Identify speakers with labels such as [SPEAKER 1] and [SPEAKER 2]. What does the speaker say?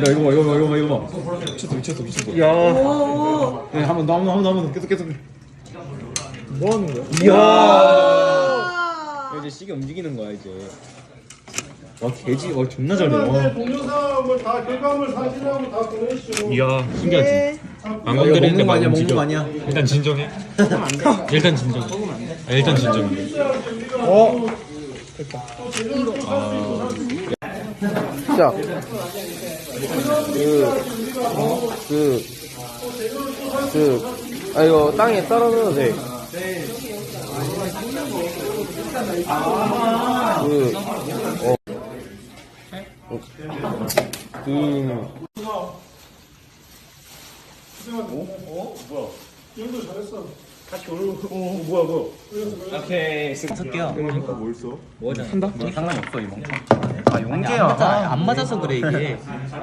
[SPEAKER 1] 이거 봐. 미쳤어. 야. 네, 한 번 더. 계속.
[SPEAKER 2] 뭐 하는 거야?
[SPEAKER 1] 이야. 이제 시계 움직이는 거야 이제. 와 개지, 와 존나 잘해. 와.
[SPEAKER 3] 동영상을 다 결과물 사진하고 다 보내시죠.
[SPEAKER 2] 이야 신기하지. 안
[SPEAKER 1] 야,
[SPEAKER 2] 건드리는데
[SPEAKER 1] 먹는 거 아니야,
[SPEAKER 2] 막 움직여.
[SPEAKER 1] 먹는 거 아니야.
[SPEAKER 2] 일단 진정해. 일단 진정해. 일단 진정해.
[SPEAKER 4] 자, 이거 땅에 떨어져도 돼.
[SPEAKER 1] 오케이. 쓸게요.
[SPEAKER 5] 그러니까 뭘 써?
[SPEAKER 1] 뭐잖아. 한다? 상관이 없어 이 멍청.
[SPEAKER 4] 아, 용계야.
[SPEAKER 1] 안 맞아서 그래 이게.